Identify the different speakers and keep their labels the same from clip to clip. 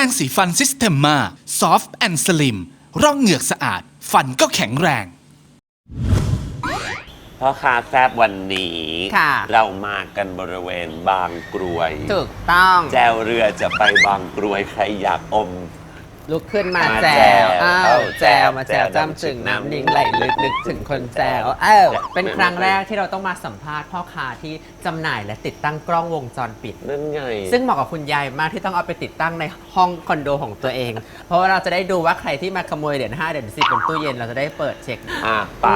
Speaker 1: รงสีฟันซิสเ e มมาซอฟต์แอนด์สลิมร่องเหงือกสะอาดฟันก็แข็งแรง
Speaker 2: พ่อค้าแซบวันนี้
Speaker 3: ค่ะ
Speaker 2: เรามากันบริเวณบางกรวย
Speaker 3: ถูกต้อง
Speaker 2: แจวเรือจะไปบางกรวยใครอยากอม
Speaker 3: ลุกขึ้นมา
Speaker 2: มา
Speaker 3: แจ
Speaker 2: แจ
Speaker 3: ว
Speaker 2: ว
Speaker 3: อ้าว
Speaker 2: เอ้า
Speaker 3: แจวมาแจว
Speaker 2: แจว
Speaker 3: จ้ำจึงน้ำนิ่งไหลลึกนึกถึงคนแจวอ้าวเป็นครั้งแรกที่เราต้องมาสัมภาษณ์พ่อค้าที่จำหน่ายและติดตั้งกล้องวงจรปิด
Speaker 2: นั่นไง
Speaker 3: ซึ่งเหมาะกับคุณยายมากที่ต้องเอาไปติดตั้งในห้องคอนโดของตัวเอง เพราะว่าเราจะได้ดูว่าใครที่มาขโมยเหรียญ5เหรียญ10บนตู้เย็นเราจะได้เปิดเช็ค
Speaker 2: ไป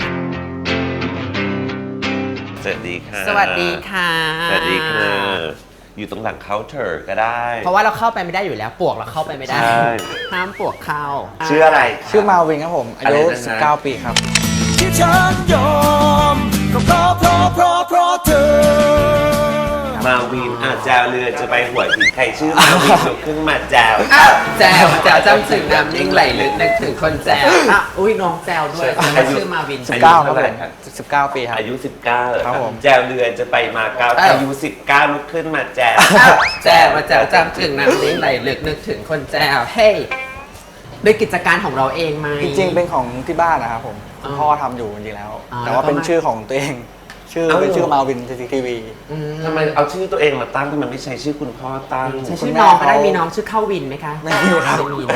Speaker 2: สวัสดีค่ะ
Speaker 3: สวัสดีค่ะ
Speaker 2: สวัสดีค่ะอยู่ตรงหลังเคาน์เตอร์ก็ได้
Speaker 3: เพราะว่าเราเข้าไปไม่ได้อยู่แล้วปวกเราเข้าไปไม่ได้
Speaker 2: ใช่
Speaker 3: ห้ามปวกเข้า
Speaker 2: ชื่ออะไร
Speaker 4: ชื่อมาวินครับผม อายุ
Speaker 2: อะไรนะฮะ
Speaker 4: 19 ปีครับ
Speaker 5: ที่ฉันยอมก็เพราะเธอ
Speaker 2: มาวินแจวเรือจะไปหัวหินใครชื่อมาวินลุกขึ้นมาแจว
Speaker 3: อ้าวแจวแจวจ้ำจึงน้ำนิ่งไหลลึกนึกถึงคนแจวอ่ะอุ้ยน้องแจวด้วย
Speaker 2: อายุ
Speaker 3: ชื่อมาวิน
Speaker 2: อายุ
Speaker 4: 19 ครั
Speaker 2: เท่า
Speaker 4: บ
Speaker 2: ไห
Speaker 4: ผ
Speaker 2: ร่
Speaker 4: ม
Speaker 2: ครับ
Speaker 4: 19 ปีครับ
Speaker 2: อายุ 19
Speaker 4: ครับผม
Speaker 2: แจวเรือจะไปมาเก้าอายุ 19 ลุกขึ้นมาแจว
Speaker 3: อ้าวแจวมาแจวจ้ำจึงน้ำนิ่งไหลลึกนึกถึงคนแจวเฮ้ยด้วยกิจการของเราเองไหม
Speaker 4: จริงๆ เป็นของที่บ้านนะครับผม
Speaker 3: อ๋อ
Speaker 4: คุณพ่อทำอยู่จริงๆแล้ว
Speaker 3: อ๋อ
Speaker 4: แต่ว่าเป็น
Speaker 3: แล้วก็มา
Speaker 4: ชื่อของตัวเอง ชื่อ
Speaker 2: เอ้า
Speaker 4: เป็นชื่อมาวินทีวี
Speaker 3: อืม
Speaker 2: ทำไมเอาชื่อตัวเองมาตั้งทำไมไม่ใช้ชื่อคุณพ่อตั้ง
Speaker 3: ใช้
Speaker 4: คุ
Speaker 3: ชื่
Speaker 4: ณ
Speaker 3: อ
Speaker 4: แม่
Speaker 3: น้องก็ได้
Speaker 4: เขามี
Speaker 3: มีน้องชื่อเข้าวินไหมคะ
Speaker 4: ไม่มีครับ
Speaker 3: ไม่มีนะ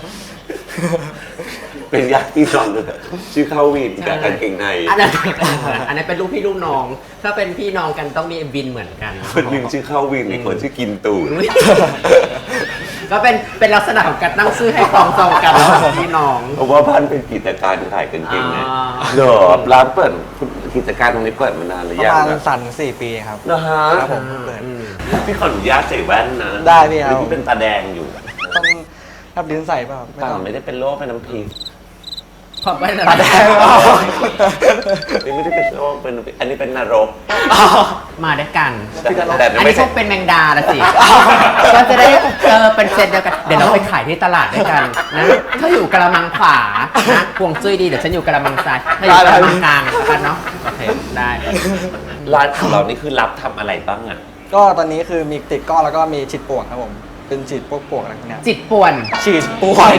Speaker 2: เป็นญาติพี่น้องเลยชื่อเข้าวินกับกางเกงใน
Speaker 3: อันนั้นเป็นลูกพี่ลูกน้อง ถ้าเป็นพี่น้องกันต้องมีวินเหมือนกัน
Speaker 2: คนหนึ่งชื่อเข้าวินอีกคนชื่อกินตูด
Speaker 3: ก็เป็นลักษณะของการตั้งชื่อให้คล้องจองกันระหว่างพี่น้อง
Speaker 2: เพราะว่าบ้านเป็นกิจการขายกางเกงใน
Speaker 3: อ๋อ
Speaker 2: เหรอร้านเปิดกิจการตรงนี้เปิดมานานหรือ
Speaker 4: ประ
Speaker 2: ยัง
Speaker 4: มาณ
Speaker 2: อะ
Speaker 4: 4 ปีครับ
Speaker 2: นะฮะ
Speaker 4: ครับผมเปิด
Speaker 2: พี่ขออนุญาตใส่แว่นนะ
Speaker 4: ได้พี่ครับ
Speaker 2: หอพี่เป็นตาแดงอยู่
Speaker 4: ต้องรับลิ้นใส่เปล่าไม่
Speaker 2: เปล่า
Speaker 4: ต้อง
Speaker 2: ไม่ได้เป็นโรคเป็นน้ำพริก
Speaker 3: ขอบไปนะ
Speaker 4: ตาแดง
Speaker 2: ไม่ได้เป็นโรคเป็นอันนี้เป็นนรก
Speaker 3: มาด้วยกัน
Speaker 2: แต่
Speaker 3: อัน
Speaker 2: ไม่
Speaker 3: นี้พ
Speaker 2: ใช่
Speaker 3: วกเป็นแมงดาละสิ ก็จะได้เป็นเซตเดียวกัน เดี๋ยวเราไปขายที่ตลาดด้วยกันนะถ้าอยู่กระมังขวานะพวงจุ้ยดีเดี๋ยวฉันอยู่กระมังซ้ายถ้าอยู่กระมังกลางแล้วกันเนาะโอเคได้
Speaker 2: ร้านของเรานี่คือรับทำอะไรบ้างอ่ะ
Speaker 4: ก็ตอนนี้คือมีติดกล้องแล้วก็มีฉีดป่วงครับผม เป็นฉีดพวกป่วงอะไรพวกเนี้ย
Speaker 3: จิตป่วน
Speaker 4: ฉีดป่วง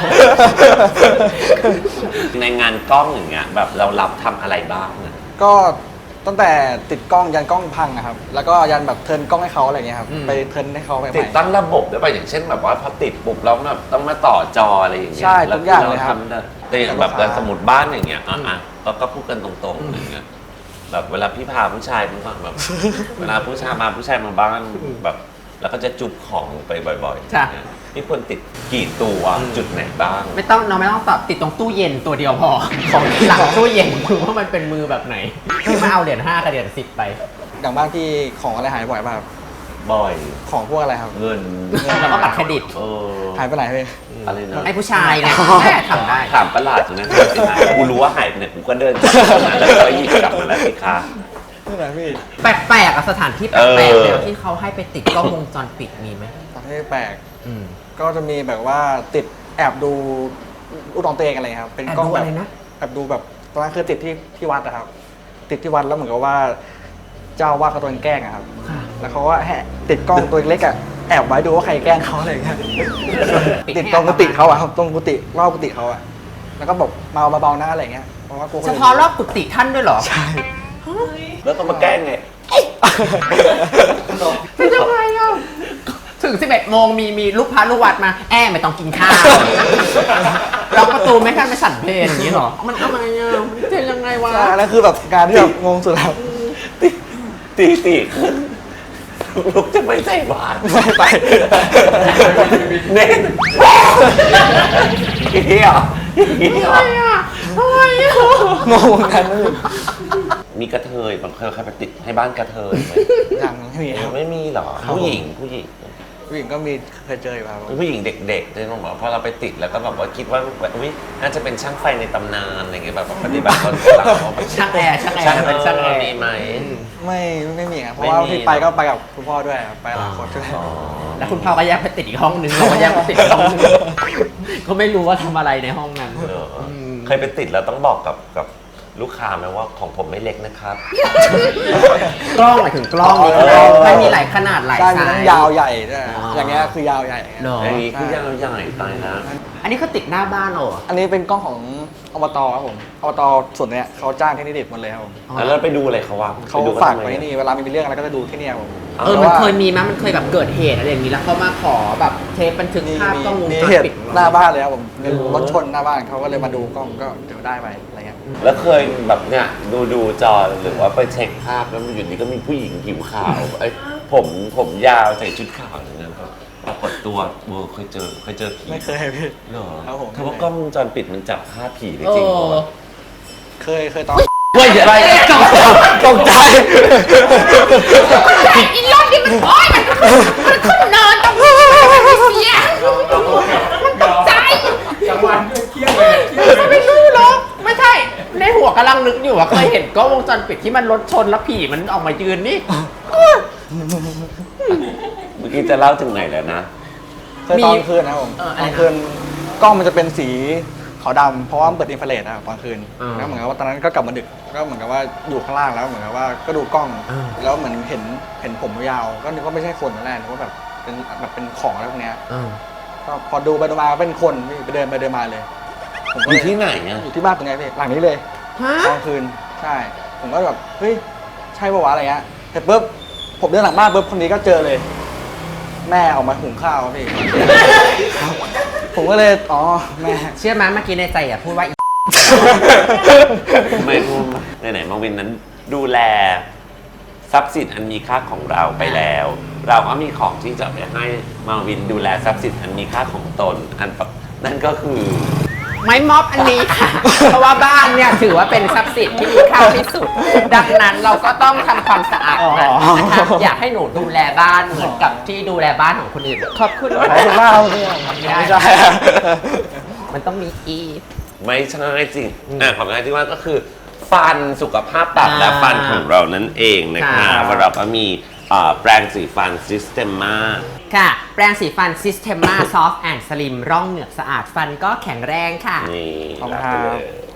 Speaker 2: ในงานกล้องอย่างเงี้ยแบบเรารับทำอะไรบ้างอะ
Speaker 4: ก็ตั้งแต่ติดกล้องยันกล้องพังอะครับ แล้วก็ยันแบบเทิร์นกล้องให้เขาอะไรเงี้ยครับ ไปเทิร์นให้เขาใหม่ๆ
Speaker 2: ติดตั้งระบบได้ป่ะอย่างเช่นแบบว่าพอติดปุ๊บแล้วแบบต้องมาต่อจออะไรอย่างเงี้ย
Speaker 4: ใช่ทุกอย่างเลยครับ
Speaker 2: ทำได้แต่อย่างแบบสมมติบ้านอย่างเงี้ยแล้วก็พูดกันตรงๆอย่างเงี้ยแบบเวลาพี่พาผู้ชายมันก็แบบ เวลาผู้ชายมาบ้านแบบ แล้วก็จะจุบของไปบ่อยๆ
Speaker 3: จ้ะ
Speaker 2: อย่างเงี้ยนี่ควรติดกี่ตัวจุดไหนบ้าง
Speaker 3: ไม่ต้องตอบติดตรงตู้เย็นตัวเดียวพอ ของหลังตู้เย็นคือว่ามันเป็นมือแบบไหนที่มาเอาเหรียญ5กับเหรียญ10ไป
Speaker 4: อย่างบ้านที่ของอะไรหายบ่อยป่ะครับ
Speaker 2: บ่อย
Speaker 4: ของพวกอะไรครับ
Speaker 2: เงิน
Speaker 3: แล้วก็บัตรเครดิต
Speaker 4: หายไปไหนพี่
Speaker 2: อะไรนะ
Speaker 3: ไอ้ผู้ชายไงแม่ทำได้
Speaker 2: ถามประหลาดตรงนั้นหายไปไหนกูรู้ว่าหายไปไหนกูก็เดินจากตรงนั้นแล้วก็หยิบกลับมาแล้วสิคะ
Speaker 4: ที่ไหนพี่
Speaker 3: แปลกๆอะสถานที่แปลกๆแนวที่เขาให้ไปติดกล้องวงจรปิดมีไหม
Speaker 4: ประเทศแปลก
Speaker 3: อืม
Speaker 4: ก็จะมีแบบว่าติดแอบดูลูกน้องตัวเองอะไรครับ เป็นกล้อง
Speaker 3: แอบดู
Speaker 4: แบ
Speaker 3: อะ
Speaker 4: บ
Speaker 3: ไรนะ
Speaker 4: แอบดูแบบตอนนั้นคือติดที่วัดนะครับ ติดที่วัดแล้วเหมือนกับว่า เจ้าว่าเขาโดนแกล้งอะครับ
Speaker 3: ค่ะ
Speaker 4: แล้วเขาก็ติดกล้องตัวเล็กๆอะแอบไว้ดูว่าใครแกล้งเขาอะไรอย่างเงี้ย ติดตรงกุฏิเขาอะครับตรงกุฏิรอบกุฏิเขาอะแล้วก็บอกเมาเบาๆหน้าอะไรอย่างเงี้ย เพราะว่ากลัวคน
Speaker 3: เฉ
Speaker 4: อื่น
Speaker 3: พาะรอบกุฏิท่านด้วยเหรอ
Speaker 4: ใช่
Speaker 2: แล้วต้องมาแกล้งไง
Speaker 3: เป็นยังไงอ่ะ ถึง 11 โมงมีลูกพระลูกวัดมา ไม่ต้องกินข้าวล็อกประตูไม่ขั้นไม่สั่นเพลงอย่างนี้เหรอ มันอะไรอ่ะ มันจะยังไงวะ
Speaker 4: ใช่แล้วคือแบบงานที่แบบงงสุดครับ
Speaker 2: ตีลูกจะไม่ใส่บาตร
Speaker 4: ไม่ไป
Speaker 2: เน้นอย่างนี้เหรออย่างนี้เหรอ
Speaker 4: งงเหมือนกันนะพี่
Speaker 2: มีกระเทยบางเคยใครไปติดให้บ้านกระเทยไหม
Speaker 4: ยังไม่มีครับ
Speaker 2: ไม่มีเหรอ
Speaker 4: ครับ
Speaker 2: ผู้หญิง
Speaker 4: ผู้หญิงก็มีเคยเจออยู่ครับ
Speaker 2: ผู้หญิงเด็กๆเลยต้องบอกพอเราไปติดแล้วก็แบบว่าคิดว่าแบบอุ๊ยน่าจะเป็นช่างไฟในตำนานอะไรเงี้ยแบบปฏิบัติตนหลังว่าเป็น
Speaker 3: ช่างแอร์เป็นช่างแอร์
Speaker 2: มีไหม
Speaker 4: ไม่มีครับเพราะว่า
Speaker 2: ไม่มี
Speaker 4: ที่ไปก็ไปกับคุณพ่อด้วยครับไปหลายคนด้วย
Speaker 2: อ๋อ
Speaker 3: แล้วคุณพ่อก็แยกไปติดอีกห้องนึงเราก็แยกไปติดอีกห้องนึงก็ไม่รู้ว่าทำอะไรในห้องนั้น
Speaker 2: เหรอเคยไปติดแล้วต้องบอกกับลูกค้าไหมว่าของผมไม่เล็กนะครับ
Speaker 3: กล้องหมายถึงกล้องนี่มันมีหลายขนาดหลาย
Speaker 4: ใช่
Speaker 3: ไซ
Speaker 4: มีทั้ง
Speaker 3: ส์
Speaker 4: ยาวใหญ่ด้วย
Speaker 3: อ๋อ
Speaker 4: อย่างเงี้ยคือยาวใหญ่อย่างเงี้ย
Speaker 3: เนอะ
Speaker 2: อันนี้คือยาวใหญ่ตายนะ
Speaker 3: อันนี้เขาติดหน้าบ้านเหรอ
Speaker 4: อันนี้เป็นกล้องของอบตครับผมอบตส่วนเนี้ยเขาจ้างเทคนิคหมดเลยครับผม
Speaker 3: อ๋อ
Speaker 2: แล้วเราไปดูอะไรเขาวะ
Speaker 4: เขา
Speaker 2: ไปดู
Speaker 4: ฝาก
Speaker 2: ทำม
Speaker 4: ไว้นี่เวลามีเรื่องอะไรก็จะดูที่เนี่ยครับผม
Speaker 3: มันเคยมีมั้ยมันเคยแบบเกิดเหตุอะไรอย่างนี้แล้วเขามาขอแบบเทปบันทึกภาพกล้องวง
Speaker 4: มี
Speaker 3: จร
Speaker 4: เหตุ
Speaker 3: ปิดของ
Speaker 4: หน้า
Speaker 3: เรา
Speaker 4: บ้านเลยครับผมเป็นรถชนหน้าบ้านเขาก็เลยมาดูกล้องก็เดี๋ยวได้ไปอะไรเงี้ย
Speaker 2: แล้วเคยแบบเนี่ยดูจอหรือว่าไปเช็คภาพแล้วมันอยู่ดีก็มีผู้หญิงผิวขาวไอ้ยผมยาวใส่ชุดขาวอย่างนั้นก็ปรากฏตัวเคยเจอผี
Speaker 4: ไม่เคยพี่
Speaker 2: เหรอ
Speaker 4: ครับผม
Speaker 2: คือว่ากล้องวงจรปิดมันจับภาพผีได้
Speaker 3: เอ
Speaker 2: จริงเหร
Speaker 3: อ
Speaker 2: อ
Speaker 4: เคยตอน
Speaker 2: เฮ้ยอะไร
Speaker 4: ตกใจ
Speaker 3: อีรอบนี้มันโอ๊ยมันขึ้นเนินตรงนี้มันเสียมันตกใจไม่รู้หรอกไม่ใช่ ในหัวกำลังนึกอยู่ว่าเคยเห็นกล้องวงจรปิดที่มันรถชนแล้วผีมันออกมายืนนี่
Speaker 2: เมื่อกี้จะเล่าถึงไหนแล้วนะ
Speaker 4: เคยตอนคืนนะครับผม
Speaker 3: เออ
Speaker 4: ต
Speaker 3: อะไร
Speaker 4: อน
Speaker 3: นะ
Speaker 4: คืนกล้องมันจะเป็นสีขาวดำเพราะว่ามันเปิดอินฟราเรดนะครับตอนคืน
Speaker 3: อ่า
Speaker 4: แล้วเหมือนกับว่าตอนนั้นก็กลับมาดึกก็เหมือนกับว่าอยู่ข้างล่างแล้วเหมือนกับว่าก็ดูกล้อง
Speaker 3: อ่า
Speaker 4: แล้วเหมือนเห็นผมยาวก็นึกว่าไม่ใช่คนตอนแรกนึกว่าแบบเป็นของอะไรพวกเนี้ย ก็พอดูไปดูมาเป็นคนพี่ไปเดินมาเลย ผมก็
Speaker 2: อ
Speaker 4: เล
Speaker 2: ยู่ที่ไหนอ่ะ
Speaker 4: อยู่ที่บ้านตรงนี้พี่หลังนี้เลย
Speaker 3: ฮะ
Speaker 4: ตอนคืนใช่ ผมก็แบบเฮ้ยใช่ปะวะอะไรเงี้ยแต่ปุ๊บผมเดินหลังบ้านปุ๊บคนนี้ก็เจอเลย แม่ออกมาหุงข้าวครับพี่ ผมก็เลยอ๋อแม่
Speaker 3: เชื่อไหมเมื่อกี้ในใจอ่ะพูดว่าอี
Speaker 2: ไม่พูดไหนๆมาวินนั้นดูแลทรัพย์สินอันมีค่าของเราไปแล้ว เราก็มีของที่จะไปให้มาวินดูแลทรัพย์สินอันมีค่าของตนนั่นก็คือ
Speaker 3: ไม้ม็อบอันนี้ค่ะ เพราะว่าบ้านเนี่ยถือว่าเป็นทรัพย์สินที่มีค่าที่สุด ดังนั้นเราก็ต้องทำความสะอาดมันนะคะอยากให้หนูดูแลบ้านเหมือนกับที่ดูแลบ้านของคนอื่นขอบคุณ
Speaker 4: ขอบคุณมากครับพี่ไม่ใช่
Speaker 3: มันต้องมีอี
Speaker 2: ไม่ใช่จริงของงานที่ว่าก็คือ ฟันสุขภาพปากและฟันของเรานั่นเองนะคะว่าเราก็มีแปรงสีฟัน Systema
Speaker 3: ค่ะ แปรงสีฟัน Systema Soft and Slim ร่องเหงือกสะอาดฟันก็แข็งแรงค่ะ
Speaker 2: นี่
Speaker 4: ขอบคุณ
Speaker 2: รับ
Speaker 4: ครั
Speaker 2: ไป
Speaker 4: บ
Speaker 2: เลย